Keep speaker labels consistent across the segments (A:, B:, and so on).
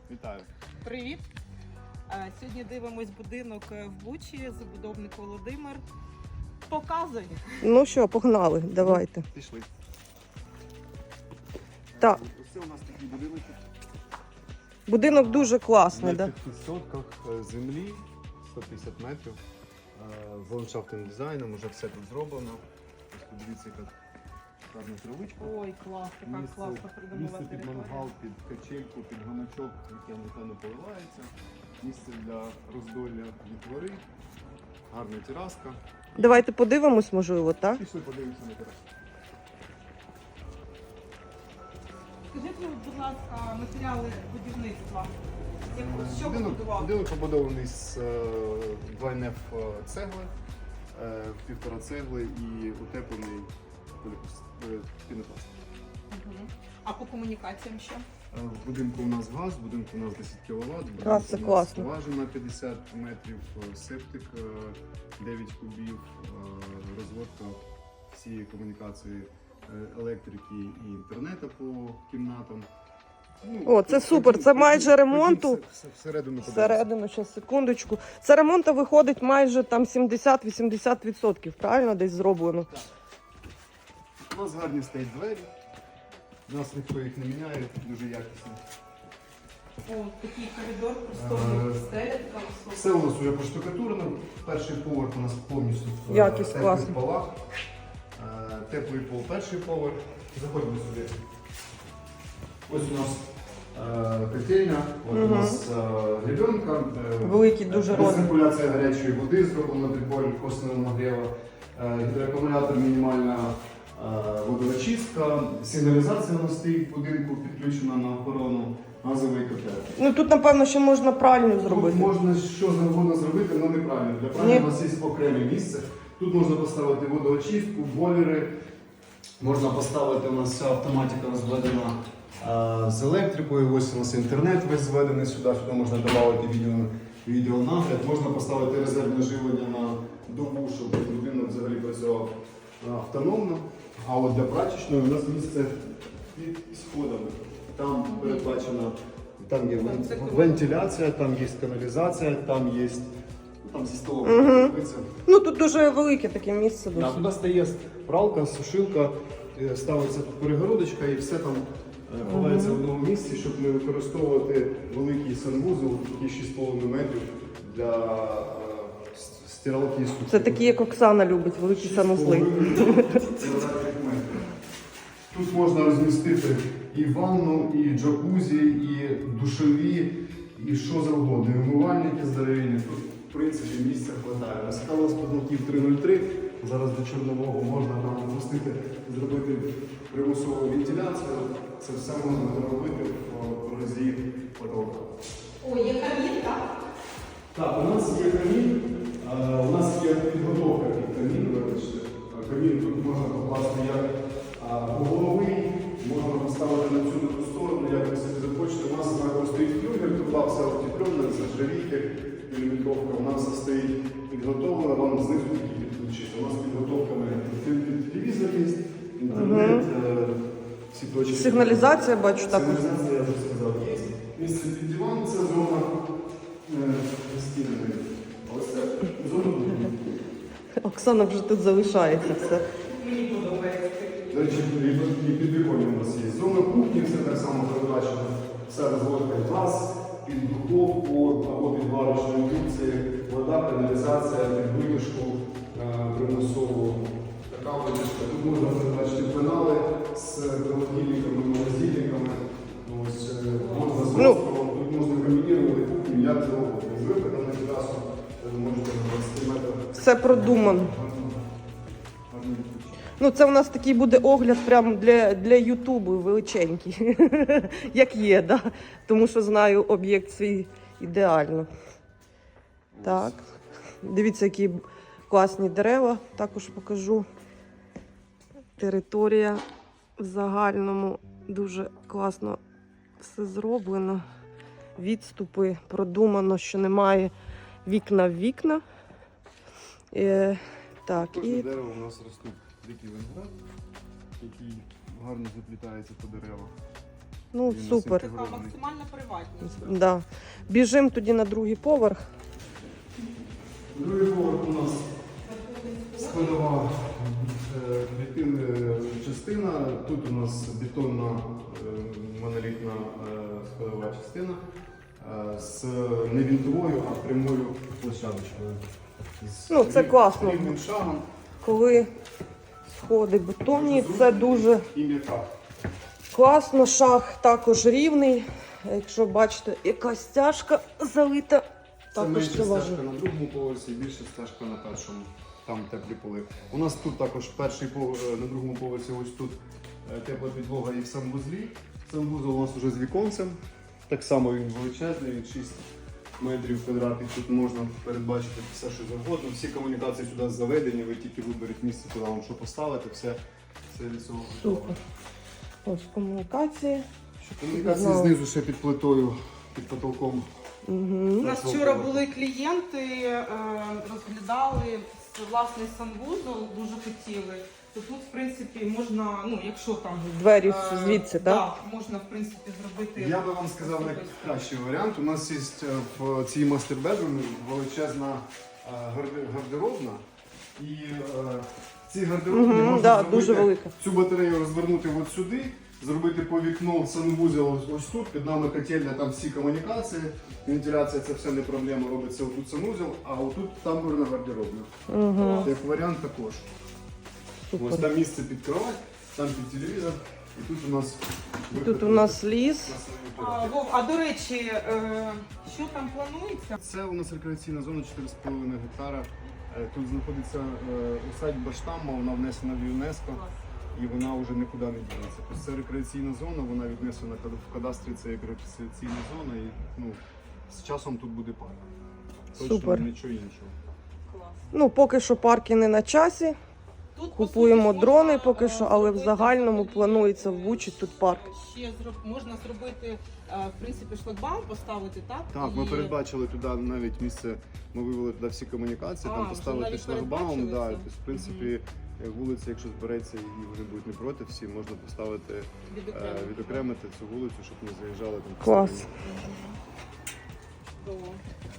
A: Вітаю.
B: Привіт! Сьогодні дивимось будинок в Бучі, забудовник Володимир. Показуй!
C: Ну що, погнали, давайте.
A: Пішли.
C: Так.
A: Це у нас такі будинки.
C: Будинок дуже класний,
A: На
C: да?
A: 5 сотках землі, 150 метрів. З ландшафтним дизайном, вже все тут зроблено. Ось подивіться, яка гарна травичка.
B: Ой, клас, така класна
A: Місце
B: придумала
A: під
B: територія.
A: мангал, під качельку, під гамачок, яке ніхто не поливається. Місце для роздолля дітвори. Гарна тераска.
C: Давайте подивимось, можливо, так?
A: Пішли подивимося на терасу.
B: Скажіть мені, будь ласка, матеріали будівництва. Що ви
A: Будинок
B: будували?
A: побудований з 2НФ цегли, 1,5 цегли і утеплений пінопласт.
B: А по комунікаціям що?
A: В будинку у нас газ, в будинку у нас 10 кВт,
C: Клас, це класно.
A: скважина 50 метрів, септик 9 кубів, розводка всієї комунікації електрики і інтернету по кімнатам.
C: О, це супер, це майже ремонту.
A: Всередину подивимося.
C: Всередину, ще секундочку. Це ремонту виходить майже там 70-80%, правильно десь зроблено?
A: У нас гарні стоять двері. У нас ніхто їх не міняє, дуже якісно.
B: О, такий коридор, просторний, стеля така висока.
A: Все у нас вже поштукатурено. Перший поверх у нас повністю в
C: Якість
A: теплих
C: класна.
A: полах. Теплий пол, перший поверх. Заходимо сюди. Ось у нас котельня, от у нас гребенка.
C: Великий дуже розмір.
A: Циркуляція гарячої води зроблена прибор косвенного нагріву. Гідроакумулятор, мінімальна водоочистка. Сигналізація у нас стоїть в будинку, підключена на охорону, газовий котел.
C: Ну тут, напевно, ще можна пральню зробити.
A: Тут можна що завгодно зробити, але неправильно. Для пральні
C: Ні.
A: у нас є окреме місце. Тут можна поставити водоочистку, бойлери. Можна поставити, у нас вся автоматика розведена з електрикою. Ось у нас інтернет весь зведений сюди, сюди можна додати відеонагляд. Можна поставити резервне живлення на добу, щоб будинок взагалі працював автономно. А от для прачечної у нас місце під сходами. Там передбачено. Там є вентиляція, там є каналізація, там є там зі столом.
C: Ну тут дуже велике таке місце.
A: Да, туди стає пралка, сушилка, ставиться тут перегородочка і все там ховається в одному місці, щоб не використовувати великий санвузол, такий 6,5 метрів для стиралки і сушки.
C: Це такі, як Оксана любить, великі санузли.
A: Тут можна розмістити і ванну, і джакузі, і душові, і що завгодно. І умивальники здоровенні. Тут, в принципі, місця вистачає. Скала з потолків 3,03. Зараз до чорнового можна там запустити, зробити примусову вентиляцію. Це все можна зробити в прорізі потолка.
B: О, є камін, так?
A: Так, у нас є камін. У нас є підготовка під камін, вибачте. Камін тут можна покласти як угловий, можна поставити на цю таку сторону, як ви собі захочете. У нас стоїть флюгер, тут все утеплено, з нержавійки, міліметровка. У нас все стоїть підготовлено, вам знизу тільки підключити. У нас підготовками телевізор є, інтернет, всі точки.
C: Сигналізація, бачу, також.
A: Сигналізація, я вже сказав, є. Місце під диван, це зона стіни. Ось це зона будинку.
C: Оксана вже тут залишається все.
B: Мені подобається.
A: До речі, і під віконням у нас є зона кухні, все так само передбачено. Все розводка газ, під духовку або під варочну індукцію, вода, каналізація, під витяжку примусову. Така витяжка. Тут можна передбачити пенали з холодильниками, морозильниками. Ось, можна з розпором, тут можна комбінувати кухню, як завгодно. З виходом на терасу ви можете на 20 метрів.
C: Все продумано. Ну, це у нас такий буде огляд прямо для Ютубу величенький, як є, да? Тому що знаю об'єкт свій ідеально. Так, дивіться, які класні дерева, також покажу. Територія в загальному дуже класно все зроблено. Відступи продумано, що немає вікна в вікна. Так,
A: Кожне
C: і
A: дерево у нас ростуть дикий виноград, який гарно заплітається по деревах.
C: Ну,
A: Він у нас
C: супер.
B: Така
A: інтегрований.
B: максимальна приватність.
C: Да. Біжимо тоді на другий поверх.
A: Другий поверх у нас складова частина. Тут у нас бетонна монолітна складова частина з не вінтовою, а прямою площадочкою. З
C: Ну, це класно.
A: рівним шагом
C: Коли сходи бетонні, це дуже
A: і м'яка.
C: класно. Шаг також рівний. Якщо бачите, якась стяжка залита,
A: Це
C: також
A: менша
C: це важливо.
A: стяжка на другому поверсі, більша стяжка на першому. Там теплі поли. У нас тут також перший на другому поверсі, ось тут тепла підлога і в санвузлі. Санвузол у нас вже з віконцем. Так само він величезний, він 6 метрів квадратних. Тут можна передбачити все, що завгодно. Всі комунікації сюди заведені, ви тільки виберіть місце, куди вам що поставити, все від цього готово.
C: Супер. Ось комунікації.
A: Комунікації
C: Знову.
A: знизу ще під плитою, під потолком.
B: У
C: Угу.
B: нас вчора були клієнти, розглядали власний санвузол, дуже хотіли. То тут, в принципі, можна, ну, якщо там
C: Двері звідси, так?
B: так, можна, в принципі, зробити.
A: Я би вам сказав найкращий варіант. У нас є в цій мастер-бедрумі величезна гардеробна. І ці гардеробні
C: Мгм,
A: можна
C: да,
A: зробити,
C: дуже велика.
A: цю батарею розвернути от сюди, зробити по вікно санвузел ось тут, під нами котельня, там всі комунікації, вентиляція це все не проблема, робиться отут санвузел, а отут тамбурна гардеробна.
C: Угу.
A: Як варіант також. Ось
C: Супер.
A: там місце під кровать, там під телевізор, і тут у нас
C: Тут у нас ліс.
B: Вов, а до речі, що там планується?
A: Це у нас рекреаційна зона 4,5 гектара. Тут знаходиться усадьба Штамма, вона внесена в ЮНЕСКО і вона вже нікуди не дінеться. Тобто це рекреаційна зона, вона віднесена в кадастрі, це як рекреаційна зона і ну, з часом тут буде парк. Точно
C: Супер.
A: нічого іншого.
B: Клас.
C: Ну, поки що парки не на часі.
B: Тут, по
C: Купуємо
B: суті,
C: дрони
B: можна,
C: поки що, але в
B: зробити
C: загальному
B: взагалі,
C: планується в Бучі тут парк.
B: Ще можна зробити, в принципі, шлагбаум поставити, так?
A: Так, ми
B: І-
A: передбачили туди навіть місце, ми вивели туди всі комунікації,
B: А,
A: там
B: вже
A: поставити
B: навіть
A: шлагбаум.
B: передбачили
A: Да,
B: це?
A: тобто, в принципі, вулиця, якщо збереться і вони будуть не проти, всі можна поставити, відокремити цю вулицю, щоб не заїжджали там.
C: Клас.
A: постійно.
B: Чудово.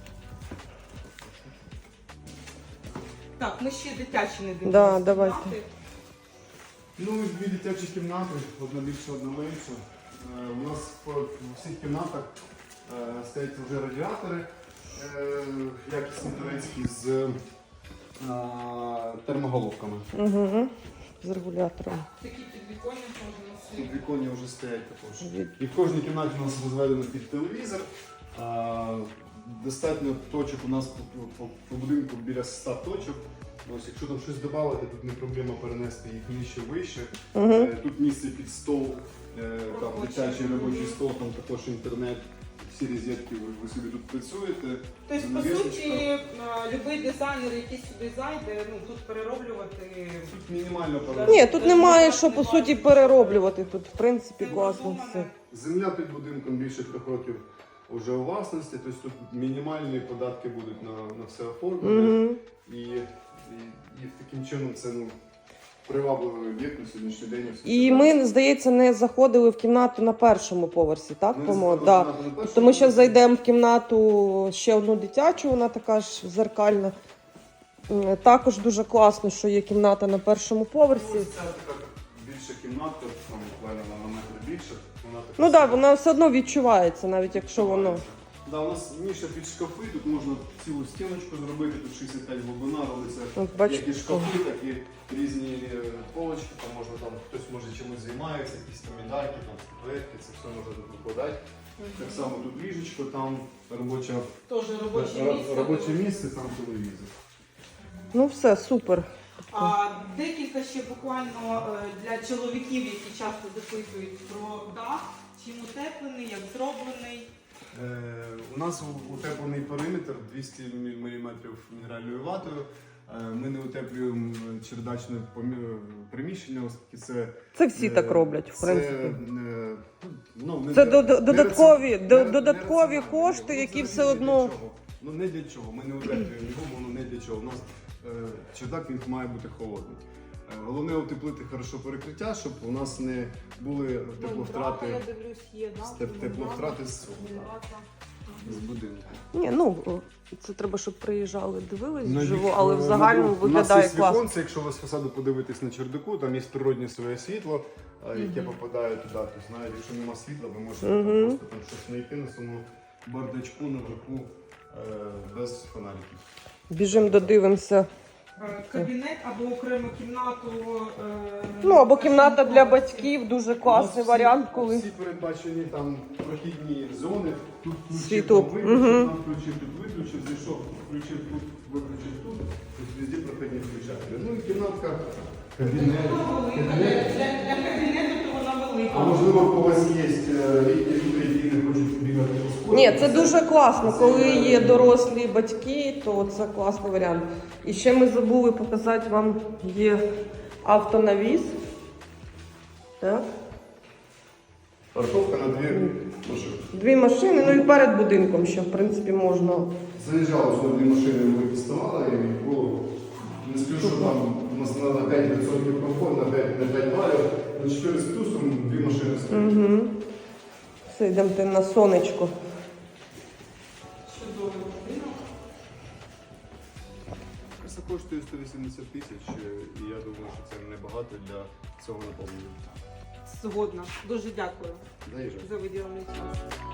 B: Так, ми ще дитячі не дивимося.
C: Да, давайте.
A: Ну, дві дитячі кімнати, одна більша, одна менша. У нас в всіх кімнатах стоять вже радіатори, якісні турецькі з термоголовками.
C: Угу. З регулятором.
B: Такі підвіконня можна
A: Тут
B: носити.
A: віконня вже стоять також.
C: Від-
A: І в кожній кімнаті у нас розведено під телевізор. Достатньо точок у нас по будинку біля 100 точок. Ось, якщо там щось додати, тут не проблема перенести їх нижче, вище.
C: Угу.
A: Тут місце під стол, там
B: Робочий.
A: дитячий робочий стол, там також інтернет, всі розетки, ви собі тут працюєте.
B: Тобто, по
A: Навісочка.
B: суті, будь-який дизайнер, який сюди зайде, ну, тут перероблювати.
A: Тут мінімально
C: Ні, тут немає що по суті перероблювати. Тут в принципі
B: Це
C: класно
B: продумане.
C: все.
A: Земля під будинком більше 3 років вже у власності, тобто тут мінімальні податки будуть на все оформлення.
C: Угу.
A: І таким чином це привабливий об'єкт на сьогоднішній день.
C: І ми, здається, не заходили в кімнату на першому поверсі, так?
A: Ми
C: По-моєму?
A: заходили
C: Да.
A: на першому
C: Тобто ми зараз
A: поверсі.
C: зайдемо в кімнату ще одну дитячу, вона така ж зеркальна. Також дуже класно, що є кімната на першому поверсі.
A: Ось ця така більша кімнатка, там буквально на метр більше. Вона така
C: Ну так, да,
A: собі.
C: вона все одно відчувається, навіть якщо воно.
A: Да, у нас ніша під шкафи, тут можна цілу стіночку зробити, тут 65 глибина, робиться
C: От бачите,
A: як і шкафи, так і різні полочки, там можна там хтось може чимось займається, якісь там медальки, там статуетки, це все можна тут викладати. Так само тут ліжечко, там
B: Теж робоче місце.
A: там телевізор.
C: Ну все, супер.
B: Декілька ще буквально для чоловіків, які часто запитують про дах, чим утеплений, як зроблений.
A: У нас утеплений периметр 200 мм мінеральною ватою. Ми не утеплюємо чердачне приміщення, оскільки це...
C: Це всі так роблять, в принципі. Це додаткові кошти, які все одно.
A: Ну не для чого. Ми не утеплюємо його, воно не для чого. У нас чердак він має бути холодний. Головне утеплити хорошо перекриття, щоб у нас не були тепловтрати,
B: Я дивлюсь, є, да?
A: тепловтрати з
B: Мгм.
A: будинку.
C: Ні, ну це треба, щоб приїжджали, дивились
A: На
C: вживу,
A: вік-
C: але в загальному
A: у
C: виглядає
A: нас є
C: класно.
A: віконце, якщо ви з фасаду подивитесь на чердаку, там є природне своє світло, яке попадає туди. Тобто, навіть якщо нема світла, ви можете там просто там щось знайти на самому бардачку наверху без фонариків.
C: Біжимо, додивимося.
B: Кабінет або окрему кімнату.
C: Ну, або кімната для батьків, дуже класний
A: У нас
C: варіант,
A: всі,
C: коли
A: всі передбачені там прохідні зони. Тут включив,
C: Світло.
A: там виключив, там включив, тут виключив, зайшов, включив тут, виключив тут. Тобто везде прохідні включателі. Ну і кімнатка, кабінет.
B: Для кабінету то вона велика.
A: А можливо, у когось є літні люди, які не хочуть бігати по сходах.
C: ні, це дуже класно. Коли є дорослі батьки, то це класний варіант. І ще ми забули показати вам, є автонавіс. Так.
A: Парковка на дві машини.
C: Дві машини, ну і перед будинком ще, в принципі, можна.
A: Заїжджали сюди дві машини, ми підставали і було. Не скажу, що там у нас треба 5% комфорту, на 5 балів, на 4 з плюсом дві машини стоять.
C: Угу. Все, йдемте на сонечко.
B: Чудовий будинок.
A: Це коштує 180 тисяч, і я думаю, що це небагато для цього наповнення.
B: Згодна. Дуже дякую
A: Заїжджай.
B: за виділений час.